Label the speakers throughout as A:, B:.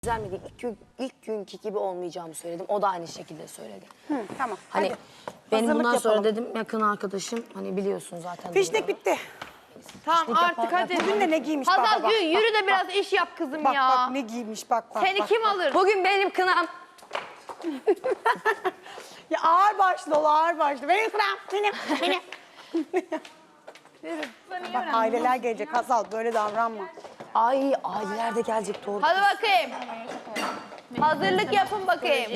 A: Düzelmedi. İlk günkü gibi olmayacağımı söyledim. O da aynı şekilde söyledi.
B: Tamam.
A: Hani
B: hadi.
A: benim
B: Hazırlık
A: bundan sonra
B: yapalım.
A: dedim yakın arkadaşım. Hani biliyorsun zaten.
B: Fişnek bitti.
C: Tamam artık hadi.
B: Bugün de ne giymiş
C: Hazal
B: bak.
C: yürü de biraz iş yap kızım
B: Bak
C: ya.
B: bak ne giymiş bak.
C: Seni kim alır?
A: Bugün benim kınam.
B: Ya ağır başlı ol ağır başlı. Benim kıram. Benim. Bak aileler gelecek Hazal böyle davranma.
A: Ay aileler de gelecek doğru.
C: Hadi bakayım. Hazırlık yapın bakayım.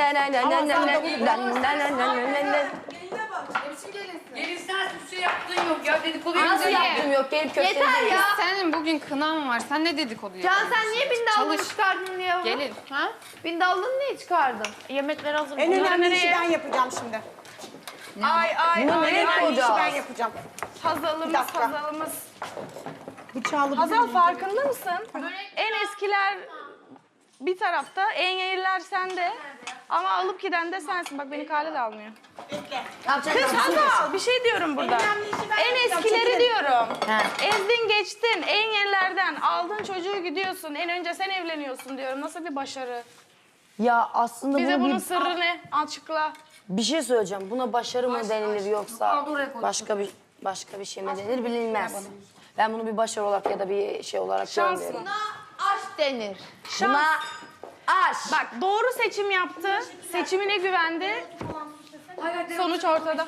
D: Gelin sen hiçbir şey yaptığın yok ya, dedikodu
A: Nasıl yaptım yok gelip köftenizi.
C: Yeter ya.
D: Senin bugün kınan var, sen ne dedikodu
C: Can
D: yapıyorsun?
C: sen niye bindallığını
D: Çalış.
C: çıkardın ya?
D: Gelin.
C: Ha? Bindallığını niye çıkardın?
D: Yemekleri hazır.
B: En önemli işi ben yapacağım şimdi.
A: Bunu nereye
B: En önemli işi
A: koyacağız?
B: ben yapacağım. Bir
E: Hazalımız,
B: dakika.
E: hazalımız.
B: Bıçağı
E: Hazal farkında mısın? En eskiler bir tarafta, en yeniler sende. Ama alıp giden de sensin. Bak beni kale de almıyor. Kız Hazal, bir şey diyorum burada. En eskileri diyorum. Ezdin geçtin, en yenilerden aldın çocuğu gidiyorsun. En önce sen evleniyorsun diyorum. Nasıl bir başarı?
A: Ya aslında
E: Bize
A: bunu
E: bunun sırrı ne? Açıkla.
A: bir şey söyleyeceğim. Buna başarı mı denilir yoksa başka bir şey mi denir bilinmez. Ben bunu bir başarı olarak ya da bir şey olarak
E: Şans
A: görmüyorum.
E: mı?
C: Aşk denir.
A: Buna aşk.
E: Bak doğru seçim yaptı. Seçimine güvendi. Sonuç ortada.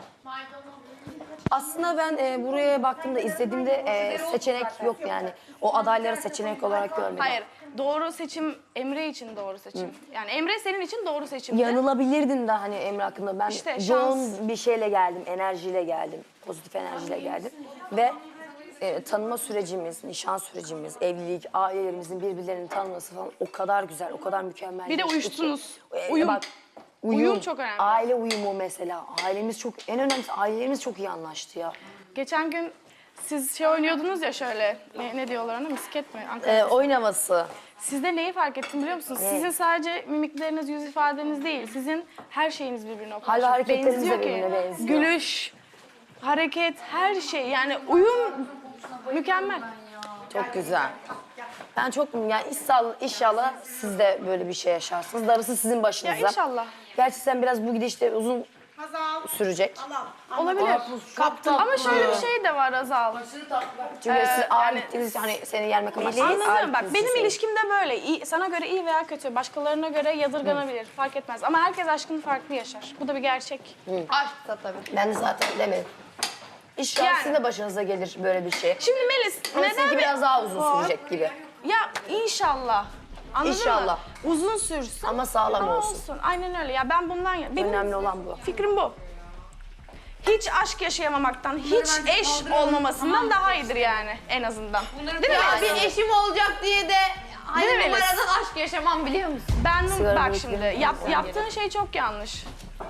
A: Aslında ben buraya baktığımda izlediğimde seçenek yok yani. O adayları seçenek olarak görmedim.
E: Hayır. Doğru seçim Emre için doğru seçim. Yani Emre senin için doğru seçimdi.
A: Yanılabilirdin de hani Emre hakkında. Ben
E: İşte şans.
A: yoğun bir şeyle geldim, enerjiyle geldim. Pozitif enerjiyle geldim. Ve tanıma sürecimiz, nişan sürecimiz, evlilik, ailelerimizin birbirlerini tanıması falan o kadar güzel, o kadar mükemmel.
E: Bir de
A: geçti ki.
E: uyuştunuz.
A: Uyum.
E: Uyum. Uyum çok önemli.
A: Aile uyumu mesela. Ailemiz çok, en önemlisi ailelerimiz çok iyi anlaştı ya.
E: Geçen gün siz şey oynuyordunuz ya şöyle. Ne diyorlar ona? Misket mi? Ankara.
A: Oyun havası.
E: Sizde neyi fark ettim biliyor musunuz? Sizin sadece mimikleriniz, yüz ifadeniz değil. Sizin her şeyiniz birbirine o kadar
A: Hal ve
E: çok
A: hareketleriniz de
E: benziyor ki.
A: birbirine benziyor.
E: Gülüş, hareket, her şey. Yani uyum mükemmel.
A: Çok güzel. Ben çok yani inşallah siz de böyle bir şey yaşarsınız. Darısı sizin başınıza.
E: Ya inşallah.
A: Gerçi sen biraz bu gidişte uzun sürecek.
E: Olabilir.
B: Kaptım.
E: Ama şöyle bir şey de var Azal.
A: Çünkü siz ağır gittiniz hani seni yenmek amaçlı. ağır
E: Anladın mı? Bak
A: gittiniz
E: benim
A: siz.
E: ilişkim de böyle. Sana göre iyi veya kötü, başkalarına göre yadırganabilir. Fark etmez. Ama herkes aşkını farklı yaşar. Bu da bir gerçek.
C: Aşksa tabii.
A: Ben de zaten demedim. İnşallah
E: Yani.
A: sizin de başınıza gelir böyle bir şey.
E: Şimdi Melis,
A: Ama
E: neden?
A: sizinki biraz daha uzun sürecek gibi.
E: Ya inşallah. Anladın
A: İnşallah.
E: mı? Uzun sürsün.
A: Ama sağlam olsun.
E: Aynen öyle. Ya ben bundan... Benim
A: Önemli olan bu.
E: fikrim bu. Hiç aşk yaşayamamaktan, hiç eş olmamasından daha iyidir yani en azından. Değil mi?
C: Ya bir eşim olacak diye de hani
E: Değil mi Melis?
C: numaradan aşk yaşamam biliyor musun?
E: Ben
A: Sigara
E: bak
A: bırakıyorum.
E: şimdi yaptığın şey çok yanlış.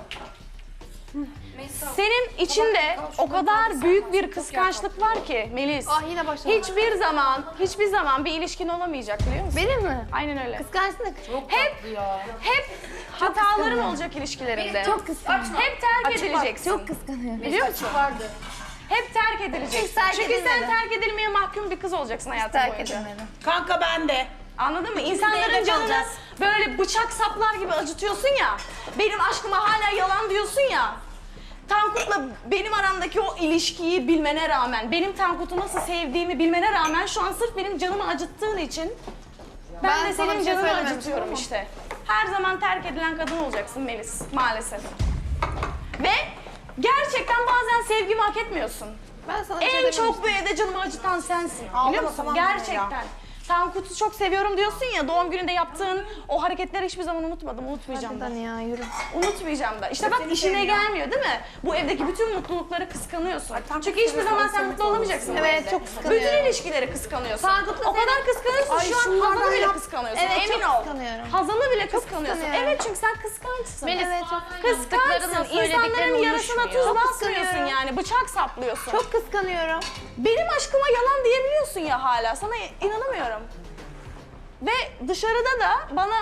E: Senin içinde o kadar büyük bir kıskançlık var ki Melis.
C: Ah yine başladı.
E: Hiçbir zaman bir ilişkin olamayacak biliyor musun?
C: Benim mi?
E: Aynen öyle.
C: Kıskançlık.
E: Hep hataların olacak ilişkilerinde.
C: Çok kıskanıyorum.
E: Hep terk edileceksin.
C: Çok kıskanıyorum.
E: Biliyor musun? Hep terk edileceksin.
C: Hiç terk
E: Çünkü sen
C: edilmedim.
E: terk edilmeye mahkum bir kız olacaksın hayatın
C: Terk
E: boyunca.
C: edilmedim.
B: Kanka ben de.
E: Anladın mı?
B: evde
E: İnsanların canını
B: kalacağız.
E: böyle bıçak saplar gibi acıtıyorsun ya. Benim aşkıma hala yalan diyorsun ya. Tankut'la benim aramdaki o ilişkiyi bilmene rağmen, benim Tankut'u nasıl sevdiğimi bilmene rağmen şu an sırf benim canımı acıttığın için ben de
C: sana
E: senin
C: bir şey
E: canını
C: söylememiştim
E: acıtıyorum
C: ama.
E: işte. Her zaman terk edilen kadın olacaksın Melis maalesef. Ve gerçekten bazen sevgimi hak etmiyorsun.
C: Ben sana bir şey
E: En
C: dememiştim.
E: çok bu evde canımı acıtan sensin.
B: Ağlama,
E: Biliyor musun?
B: tamam
E: Gerçekten.
B: ya.
E: Tankut'u çok seviyorum diyorsun ya, doğum gününde yaptığın o hareketleri hiçbir zaman unutmadım, unutmayacağım da.
C: Hadi ya yürü.
E: Unutmayacağım da. İşte bak işine gelmiyor değil mi? Bu evdeki bütün mutlulukları kıskanıyorsun. Çünkü hiçbir zaman sen mutlu olamayacaksın. bu
C: Evet,
E: evde.
C: çok kıskanıyorum.
E: Bütün ilişkileri kıskanıyorsun.
C: Tankut'la
E: O kadar kıskanıyorsun
B: Ay,
E: şu an
B: şunlardan
E: Hazan'ı bile
B: yap.
E: kıskanıyorsun.
C: Evet,
E: Emin
C: çok
E: ol.
C: kıskanıyorum.
E: Hazan'ı bile kıskanıyorsun.
C: kıskanıyorum.
E: Evet çünkü sen kıskançsın.
C: Melis,
E: Evet,
C: çok
E: kıskançsın. İnsanların yarasına tuz
C: Çok
E: basmıyorsun
C: kıskanıyorum.
E: yani. Bıçak saplıyorsun.
C: Çok kıskanıyorum.
E: Benim aşkıma yalan diyebiliyorsun ya hala. Sana inanamıyorum. Ve dışarıda da bana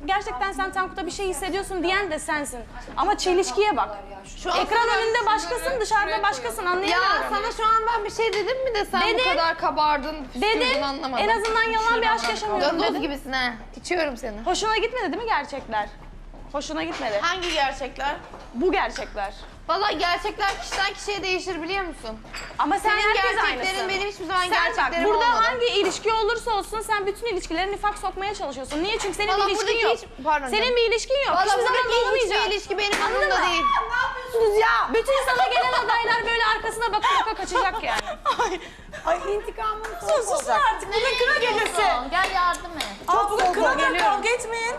E: gerçekten sen Tankut'a bir şey hissediyorsun diyen de sensin. Ama çelişkiye bak. Ekran önünde başkasın, dışarıda başkasın,
C: Ya
E: anlayamıyorum.
C: sana şu an ben bir şey dedim mi de sen
E: Dedim.
C: bu kadar kabardın,
E: Dedim,
C: püskürdün anlamadım.
E: en azından yalan bir aşk yaşamıyorum
C: Gazoz
E: dedim.
C: gibisin ha. İçiyorum seni.
E: Hoşuna gitmedi değil mi gerçekler? Hoşuna gitmedi.
B: Hangi gerçekler?
E: Bu gerçekler.
C: Vallahi gerçekler kişiden kişiye değişir biliyor musun?
E: Ama sen
C: Senin
E: herkes
C: gerçeklerin
E: aynısın.
C: benim hiçbir zaman
E: Sen bak
C: gerçeklerim
E: burada
C: olmadı.
E: hangi ilişki olursa olsun sen bütün ilişkilere nifak sokmaya çalışıyorsun. Niye? Çünkü senin
C: Vallahi
E: bir ilişkin
C: buradaki
E: yok.
C: hiç- pardon
E: Senin
C: canım.
E: bir ilişkin yok.
C: Vallahi
E: Hiçbir zaman da
C: buradaki
E: olmayacak.
C: hiçbir ilişki benim
E: Anladın
C: umurumda
E: mı?
C: değil.
B: Ne yapıyorsunuz ya?
E: Bütün sana gelen adaylar böyle arkasına baka baka kaçacak yani.
B: Ay intikamım
E: Sus artık. Bu da kına gecesi.
C: Gel yardım et.
B: Çok soğuk oldu.
E: Kavga etmeyin.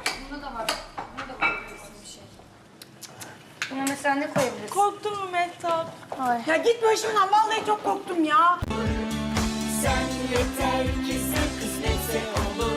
D: Buna mesela ne koyabilirsin?
B: Korktun mu Mehtap? Ya git başımdan vallahi çok korktum ya.
F: Sen yeter ki sen kısmetse olur.